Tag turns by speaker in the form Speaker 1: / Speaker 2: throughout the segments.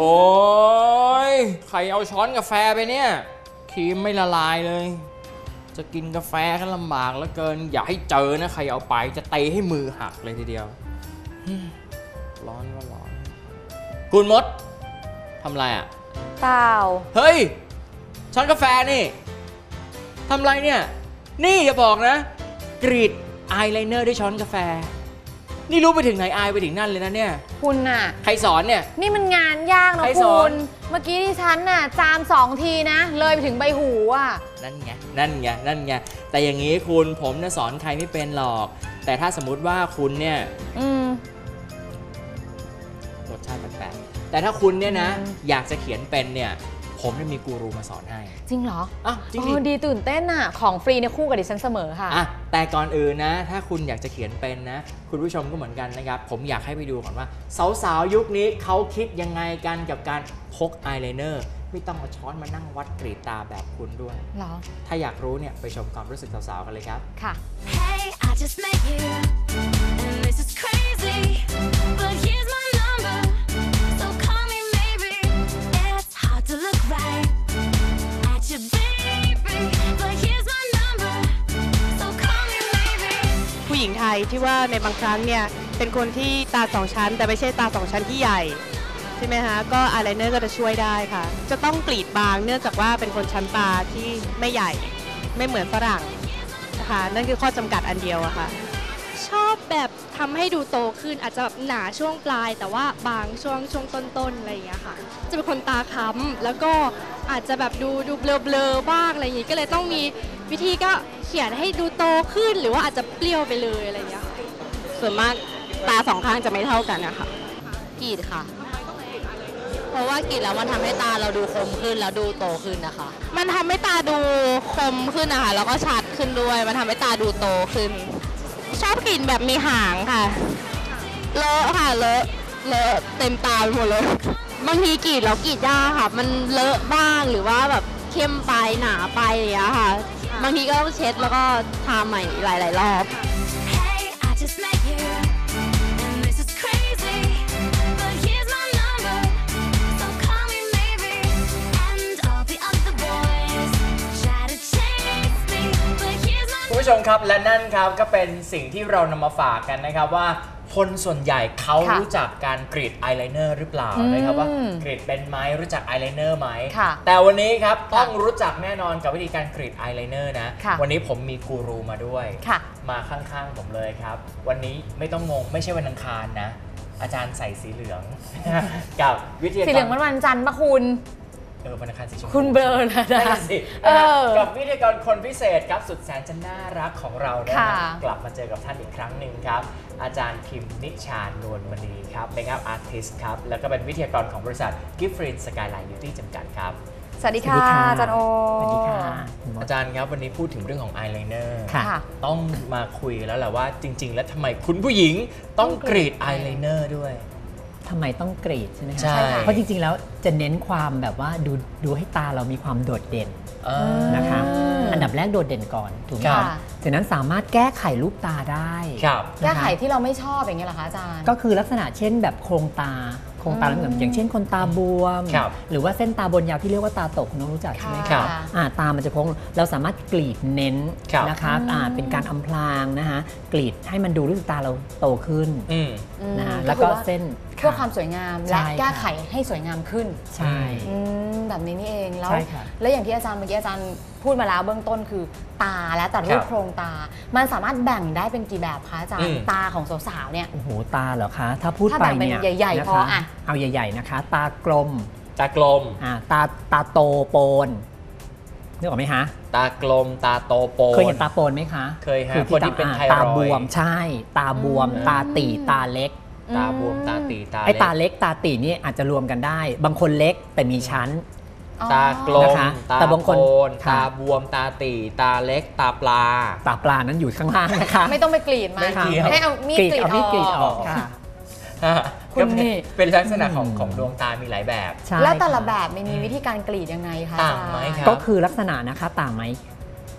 Speaker 1: อ้ยใครเอาช้อนกาแฟไปเนี่ยครีมไม่ละลายเลยจะกินกาแฟก็ลำบากเหลือเกินอย่าให้เจอนะใครเอาไปจะเตะให้มือหักเลยทีเดียวร้อนก็ร้อนคุณมดทำไรอ่ะ
Speaker 2: เปล่า
Speaker 1: เฮ้ยช้อนกาแฟนี่ทำไรเนี่ยนี่อย่าบอกนะกรีดอายไลเนอร์ด้วยช้อนกาแฟนี่รู้ไปถึงไหนอายไปถึงนั่นเลยนะเนี่ย
Speaker 2: คุณน่ะ
Speaker 1: ใครสอนเนี่ย
Speaker 2: นี่มันงานยากนะคุณเมื่อกี้ที่ฉันน่ะจาม2 ทีนะเลยไปถึงใบหูอ่ะ
Speaker 1: นั่นไงแต่อย่างนี้คุณผมเนี่ยสอนใครไม่เป็นหรอกแต่ถ้าสมมุติว่าคุณเนี่ยรสชาติแปลกๆแต่ถ้าคุณเนี่ยนะอยากจะเขียนเป็นเนี่ยผมจะมีกูรูมาสอนให้
Speaker 2: จริงเหรอ
Speaker 1: จริง
Speaker 2: ดีตื่นเต้นอ่ะของฟรีเนี่ยคู่กับดิฉันเสมอค่ะ
Speaker 1: แต่ก่อนอื่นนะถ้าคุณอยากจะเขียนเป็นนะคุณผู้ชมก็เหมือนกันนะครับผมอยากให้ไปดูก่อนว่าสาวๆยุคนี้เขาคิดยังไงกันกับการพกอายไลเนอร์ไม่ต้องเอาช้อนมานั่งวัดกรีดตาแบบคุณด้วย
Speaker 2: หรอ
Speaker 1: ถ้าอยากรู้เนี่ยไปชมความรู้สึกสาวๆกันเลยครับ
Speaker 2: ค่ะ
Speaker 3: Hey, I just met you and this is crazy but here's my number so call me maybe it's hard to look right at your baby but here's my number so call me maybe
Speaker 4: ผู้หญิงไทยที่ว่าในบางครั้งเนี่ยเป็นคนที่ตา2 ชั้นแต่ไม่ใช่ตา2 ชั้นที่ใหญ่ใช่ไหมคะก็อายไลเนอร์ก็จะช่วยได้ค่ะจะต้องกรีดบางเนื่องจากว่าเป็นคนชั้นตาที่ไม่ใหญ่ไม่เหมือนฝรั่งนะคะนั่นคือข้อจำกัดอันเดียวอะค่ะ
Speaker 5: ชอบแบบทำให้ดูโตขึ้นอาจจะแบบหนาช่วงปลายแต่ว่าบางช่วงต้นๆอะไรอย่างเงี้ยค่ะจะเป็นคนตาค้ำแล้วก็อาจจะแบบดูเบลอๆบ้างอะไรอย่างงี้ก็เลยต้องมีวิธีก็เขียนให้ดูโตขึ้นหรือว่าอาจจะเปรี้ยวไปเลยอะไรอย่างเงี้ย
Speaker 4: ส่วนมากตา2 ข้างจะไม่เท่ากันนะคะ
Speaker 6: กรีดค่ะเพราะว่ากรีดแล้วมันทำให้ตาเราดูคมขึ้นแล้วดูโตขึ้นนะคะ
Speaker 4: มันทำให้ตาดูคมขึ้นนะคะแล้วก็ชัดขึ้นด้วยมันทำให้ตาดูโตขึ้นชอบกรีดแบบมีหางค่ะเลอะค่ะเลอะเต็มตาหมดเลยบางทีกรีดแล้วกรีดยากค่ะมันเลอะบ้างหรือว่าแบบเข้มไปหนาไปอย่างเงี้ยค่ะบางทีก็ต้องเช็ดแล้วก็ทาใหม่หลายๆรอบ
Speaker 1: คุณผู้ชมครับและนั่นครับก็เป็นสิ่งที่เรานำมาฝากกันนะครับว่าคนส่วนใหญ่เขารู้จักการกรีดอายไลเนอร์หรือเปล่านะครับว่ากรีดเป็นไหมรู้จักอายไลเนอร์ไหมแต่วันนี้ครับต้องรู้จักแน่นอนกับวิธีการกรีดอายไลเนอร์นะวันนี้ผมมีกูรูมาด้วยมาข้างๆผมเลยครับวันนี้ไม่ต้องงงไม่ใช่วันอังคารนะอาจารย์ใส่สีเหลืองกับวิทยากร
Speaker 2: สีเหลืองวันจันทร์ปะคุณ
Speaker 1: วันอังคารสีชมพู
Speaker 2: คุณเบลอนะ
Speaker 1: สิกับวิทยากรคนพิเศษครับสุดแสนจะน่ารักของเรานะกลับมาเจอกับท่านอีกครั้งหนึ่งครับอาจารย์พิมนิชานวลมณีครับเมคอัพอาร์ติสต์ครับแล้วก็เป็นวิทยากรของบริษัทกิฟฟรีนสกายไลน์บิวตี้จำกัดครับ
Speaker 2: สวัสดีค่ะอาจารย์โอ
Speaker 1: สวัสดีค่ะอาจารย์ครับวันนี้พูดถึงเรื่องของอายไลเนอร์ต้องมาคุยแล้วแหละว่าจริงๆแล้วทำไมคุณผู้หญิงต้องกรีดอายไลเนอร์ด้วย
Speaker 7: ทำไมต้องกรีดใช่ไหมคะ
Speaker 1: ใช่
Speaker 7: เพราะจริงๆแล้วจะเน้นความแบบว่าดูให้ตาเรามีความโดดเด่นนะคะอันดับแรกโดดเด่นก่อนถูกไหมจากนั้นสามารถแก้ไขรูปตาได้
Speaker 2: แก้ไขที่เราไม่ชอบอย่างเงี้ยเหรอคะอาจารย์
Speaker 7: ก็คือลักษณะเช่นแบบโครงตาอย่างเช่นคนตาบวมหรือว่าเส้นตาบนยาวที่เรียกว่าตาตกคุณน้องรู้จักใช่ไหมครับตามันจะโค้งเราสามารถกรีดเน้นนะคะเป็นการอำพรางนะคะกรีดให้มันดูรู้สึกตาเราโตขึ้นนะคะแล้วก็เส้น
Speaker 2: เพื่อความสวยงามและแก้ไขให้สวยงามขึ้น
Speaker 7: ใช่
Speaker 2: แบบนี้นี่เองแล้วอย่างที่อาจารย์เมื่อกี้อาจารย์พูดมาแล้วเบื้องต้นคือตาและแต่รูปโครงตามันสามารถแบ่งได้เป็นกี่แบบคะอาจารย์ตาของสาวๆเนี่ย
Speaker 7: โอ้โหตาเหรอคะถ้าพูดไปเนี่ย
Speaker 2: ใหญ่ๆพอ
Speaker 7: เอาใหญ่ๆนะคะตากลมตาโตโปนนึกออกไหมคะ
Speaker 1: ตากลมตาโตโปน
Speaker 7: เคยเห็นตาโปนไหมคะ
Speaker 1: เคยฮะคนที่เป็นไทรอยด์
Speaker 7: ตาบวมใช่ตาบวมตาตีตาเล็ก
Speaker 1: ตาบวมตาตีตาเล็ก
Speaker 7: ไอ้ตาเล็กตาตีนี่อาจจะรวมกันได้บางคนเล็กแต่มีชั้น
Speaker 1: ตากลมตาโปนตาบวมตาตีตาเล็กตาป
Speaker 7: ลานั้นอยู่ข้างล่างนะคะ
Speaker 2: ไม่ต้องไปกรีดมาให้เอามีดกรีดออก
Speaker 7: ค่ะ
Speaker 1: คุณนี่เป็นลักษณะของดวงตามีหลายแบบ
Speaker 2: แล้วแต่ละแบบมีวิธีการกรีดยังไงคะ
Speaker 1: ต่างไหมครับ
Speaker 7: ก็คือลักษณะนะคะต่างไหม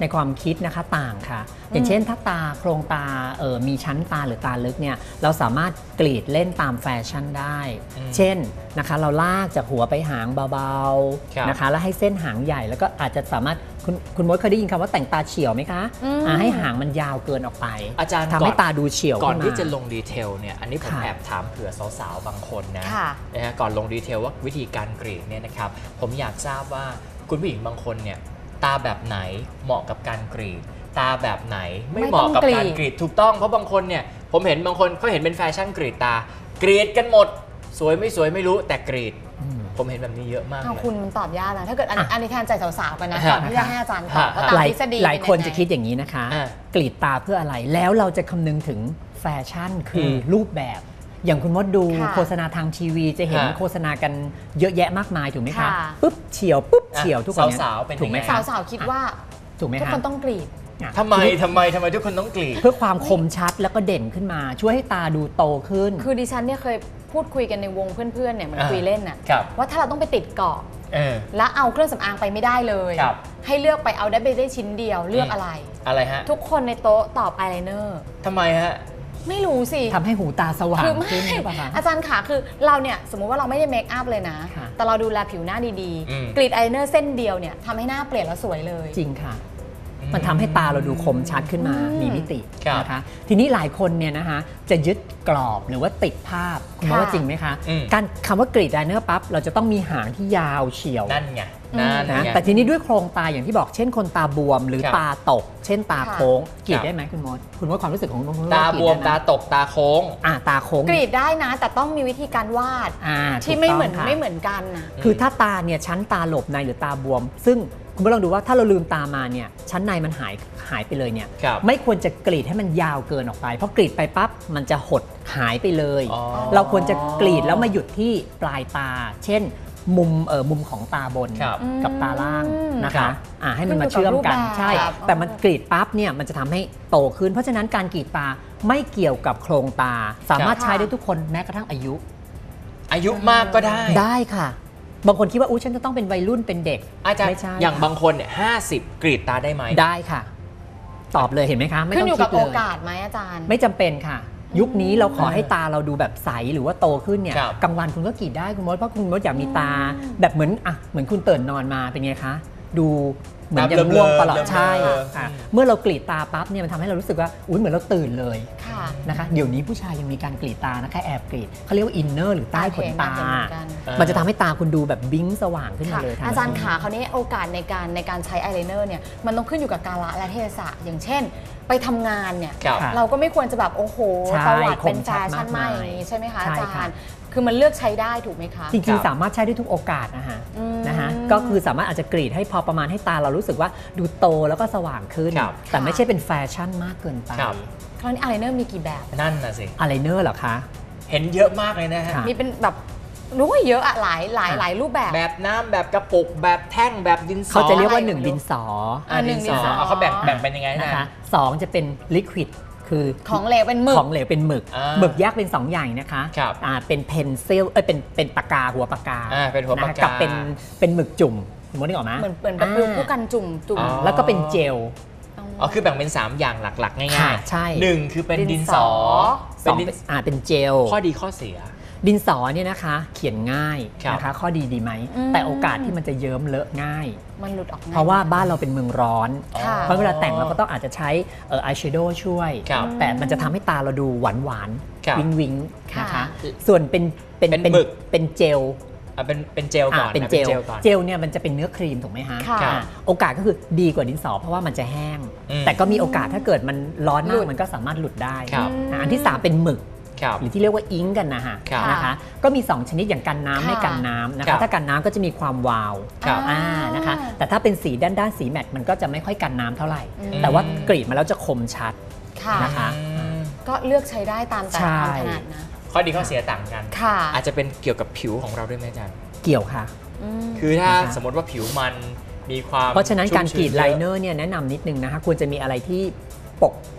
Speaker 7: ในความคิดนะคะต่างค่ะ อย่างเช่นถ้าตาโครงตามีชั้นตาหรือตาลึกเนี่ยเราสามารถกรีดเล่นตามแฟชั่นได้ เช่นนะคะเราลากจากหัวไปหางเบาๆนะคะแล้วให้เส้นหางใหญ่แล้วก็อาจจะสามารถคุณมดเคยได้ยินคำว่าแต่งตาเฉียวไหมคะให้หางมันยาวเกินออกไป
Speaker 1: อาจารย์
Speaker 7: ทำให้ตาดูเฉียว
Speaker 1: ก่อนที่จะลงดีเทลเนี่ยอันนี้ผมแอบถามเผื่อสาวๆบางคนนะฮะก่อนลงดีเทลว่าวิธีการกรีดเนี่ยนะครับผมอยากทราบว่าคุณผู้หญิงบางคนเนี่ยตาแบบไหนเหมาะกับการกรีดตาแบบไหนไม่เหมาะกับการกรีดถูกต้องเพราะบางคนเนี่ยผมเห็นบางคนเขาเห็นเป็นแฟชั่นกรีดตากรีดกันหมดสวยไม่สวยไม่รู้แต่กรีดผมเห็นแบบนี้เยอะมากเลย
Speaker 2: คุณมันตอบยากนะถ้าเกิดอันนี้แทนใจสาวๆกันนะก่อนที่จะให้อาจารย์ตอบว่าตามทฤษฎี
Speaker 7: หลายคนจะคิดอย่างนี้นะคะกรีดตาเพื่ออะไรแล้วเราจะคำนึงถึงแฟชั่นคือรูปแบบอย่างคุณมดดูโฆษณาทางทีวีจะเห็นโฆษณากันเยอะแยะมากมายถูกไหมคะปุ๊บเฉียวปุ๊บเฉียวทุกคน
Speaker 1: สาวๆเป็น
Speaker 7: ถูกไหม
Speaker 2: สาวๆคิดว่า
Speaker 7: ถูกไหมคะ
Speaker 2: ทุกคนต้องกรีด
Speaker 1: ทำไมทุกคนต้องกรีด
Speaker 7: เพื่อความคมชัดแล้วก็เด่นขึ้นมาช่วยให้ตาดูโตขึ้น
Speaker 2: คือดิฉันเนี่ยเคยพูดคุยกันในวงเพื่อนๆเนี่ยมันคุยเล่นน่ะว่าถ้าเราต้องไปติดเกาะแล้วเอาเครื่องสำอางไปไม่ได้เลยให้เลือกไปเอาได้ชิ้นเดียวเลือกอะไร
Speaker 1: ฮะ
Speaker 2: ทุกคนในโต๊ะตอบอายไลเนอร์
Speaker 1: ทำไมฮะ
Speaker 2: ไม่รู้สิ
Speaker 7: ทำให้หูตาสว่างขึ้นหรือเปล่าคะ
Speaker 2: อาจารย์ขาคือเราเนี่ยสมมุติว่าเราไม่ได้เมคอัพเลยนะแต่เราดูแลผิวหน้าดีๆกรีดอายไลเนอร์เส้นเดียวเนี่ยทำให้หน้าเปลี่ยนแล้วสวยเลย
Speaker 7: จริงค่ะมันทำให้ตาเราดูคมชัดขึ้นมามีมิตินะคะทีนี้หลายคนเนี่ยนะคะจะยึดกรอบหรือว่าติดภาพคุณว่าจริงไหมคะการคำว่ากรีดอายไลเนอร์ปั๊บเราจะต้องมีหางที่ยาวเฉียว
Speaker 1: นั่นไง
Speaker 7: นะแต่ทีนี้ด้วยโครงตาอย่างที่บอกเช่นคนตาบวมหรือตาตกเช่นตาโค้งกรีดได้ไหมคุณมดความรู้สึกของ
Speaker 1: ตาบวมตาตกตาโค้ง
Speaker 7: ตาโค้ง
Speaker 2: กรีดได้นะแต่ต้องมีวิธีการวาดที่ไม่เหมือนกันนะ
Speaker 7: คือถ้าตาเนี่ยชั้นตาหลบในหรือตาบวมซึ่งคุณผู้ลองดูว่าถ้าเราลืมตามาเนี่ยชั้นในมันหายไปเลยเนี่ยไม่ควรจะกรีดให้มันยาวเกินออกไปเพราะกรีดไปปั๊บมันจะหดหายไปเลยเราควรจะกรีดแล้วมาหยุดที่ปลายตาเช่นมุมของตาบนกับตาล่างนะคะให้มันมาเชื่อมกันใช่แต่มันกรีดปั๊บเนี่ยมันจะทำให้โตขึ้นเพราะฉะนั้นการกรีดตาไม่เกี่ยวกับโครงตาสามารถใช้ได้ทุกคนแม้กระทั่งอายุ
Speaker 1: มากก็
Speaker 7: ได้ค่ะบางคนคิดว่าฉันจะต้องเป็นวัยรุ่นเป็นเด็ก
Speaker 1: อาจารย์อย่างบางคนเนี่ย50กรีดตาได้ไหม
Speaker 7: ได้ค่ะตอบเลยเห็นไหมคะ
Speaker 2: ไม่ต้องคิดเลยขึ้นอยู่กับโอกาสไหมอาจารย์
Speaker 7: ไม่จำเป็นค่ะยุคนี้เราขอให้ตาเราดูแบบใสหรือว่าโตขึ้นเนี่ยกลางวันคุณก็กรีดได้คุณมดเพราะคุณมดอยากมีตาแบบเหมือนคุณตื่นนอนมาเป็นไงคะดูเหมือนยังง่วงตลอดใช่เมื่อเรากรีดตาปั๊บเนี่ยมันทำให้เรารู้สึกว่าเหมือนเราตื่นเลยนะคะเดี๋ยวนี้ผู้ชายยังมีการกรีดตานะคะแอบกรีดเขาเรียกว่าอินเนอร์หรือใต้ขนตามันจะทำให้ตาคุณดูแบบบิ้งสว่างขึ้นมาเลย
Speaker 2: อาจารย์ขาคราวนี้โอกาสในการใช้อายไลเนอร์เนี่ยมันต้องขึ้นอยู่กับกาลและเทศะอย่างเช่นไปทำงานเนี่ยเราก็ไม่ควรจะแบบโอ้โหตวัดเป็นแฟชั่นใหม่ใช่ไหมคะอาจารย์คือมันเลือกใช้ได้ถูกไหมคะ
Speaker 7: จริงๆสามารถใช้ได้ทุกโอกาสนะฮะก็คือสามารถอาจจะกรีดให้พอประมาณให้ตาเรารู้สึกว่าดูโตแล้วก็สว่างขึ้นแต่ไม่ใช่เป็นแฟชั่นมากเกินไป
Speaker 2: คราวนี้อายไลเนอร์มีกี่แบบ
Speaker 1: นั่นน่ะสิ
Speaker 7: อายไลเนอร์เหรอคะ
Speaker 1: เห็นเยอะมากเลยนะฮะ
Speaker 2: มีเป็นแบบรู้ว่าเยอะอะหลายรูปแบบ
Speaker 1: แบบน้ำแบบกระปุกแบบแท่งแบบดินสอ
Speaker 7: เขาจะเรียกว่า1ดินสอ
Speaker 1: ดินสอเขาแบ่งเป็นยังไงนะคะ
Speaker 7: 2จะเป็นลิควิดคือ
Speaker 2: ของเหลวเป็นหมึก
Speaker 7: ของเหลวเป็นหมึกแยกเป็น2อย่างนะคะเป็นเพนซิลเป็นปากกาหัวปากกา
Speaker 1: เป็นหัวปากกา
Speaker 7: กับเป็นหมึกจุ่มสมมตินึกออกไหม
Speaker 2: เหมือนแบบผู้กันจุ่ม
Speaker 7: แล้วก็เป็นเจล
Speaker 1: คือแบ่งเป็น3อย่างหลักๆง่าย
Speaker 7: ๆใช่
Speaker 1: 1คือเป็นดินสอ
Speaker 7: เป็นเจล
Speaker 1: ข้อดีข้อเสีย
Speaker 7: ดินสอเนี่ยนะคะเขียนง่ายนะคะข้อดีไหมแต่โอกาสที่มันจะเยิ้มเลอะง่าย
Speaker 2: มันหลุดออก
Speaker 7: เพราะว่าบ้านเราเป็นเมืองร้อนเพราะเวลาแต่งเราก็ต้องอาจจะใช้อายแชโดว์ช่วยแต่มันจะทำให้ตาเราดูหวานวิงนะคะส่วนเป็น
Speaker 1: หมึก
Speaker 7: เป็นเจล
Speaker 1: เป็นเจลก่อน
Speaker 7: เป็นเจลเนี่ยมันจะเป็นเนื้อครีมถูกไหมฮะโอกาสก็คือดีกว่าดินสอเพราะว่ามันจะแห้งแต่ก็มีโอกาสถ้าเกิดมันร้อนมากมันก็สามารถหลุดได้อันที่3เป็นหมึกหรือที่เรียกว่าอิงกันนะคะก็มี2ชนิดอย่างกันน้ำไม่กันน้ำนะคะถ้ากันน้ำก็จะมีความวาวนะคะแต่ถ้าเป็นสีด้านสีแมตต์มันก็จะไม่ค่อยกันน้ำเท่าไหร่แต่ว่ากรีดมาแล้วจะคมชัดนะคะ
Speaker 2: ก็เลือกใช้ได้ตามแต่ความถนัดนะ
Speaker 1: ข้อดีข้อเสียต่างกันอาจจะเป็นเกี่ยวกับผิวของเราด้วยไหมอาจารย์
Speaker 7: เกี่ยวค่ะ
Speaker 1: คือถ้าสมมติว่าผิวมันมีความ
Speaker 7: เพราะฉะนั้นการกรีดไลเนอร์เนี่ยแนะนำนิดนึงนะคะควรจะมีอะไรที่ปก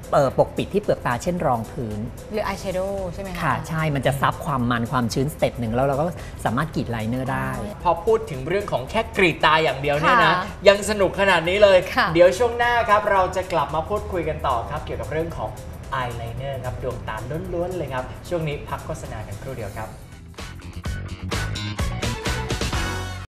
Speaker 7: ปกปิดที่เปลือกตาเช่นรองพื้น
Speaker 2: หรืออายแชโดว์ใช่ไหมคะ
Speaker 7: ค่ะใช่มันจะซับความมันความชื้นสเต็ปหนึ่งแล้วเราก็สามารถกรีดไลเนอร์ได้
Speaker 1: พอพูดถึงเรื่องของแค่กรีดตาอย่างเดียวเนี่ยนะยังสนุกขนาดนี้เลยเดี๋ยวช่วงหน้าครับเราจะกลับมาพูดคุยกันต่อครับเกี่ยวกับเรื่องของอายไลเนอร์ครับดวงตาล้วนๆเลยครับช่วงนี้พักโฆษณากันครู่เดียวครับ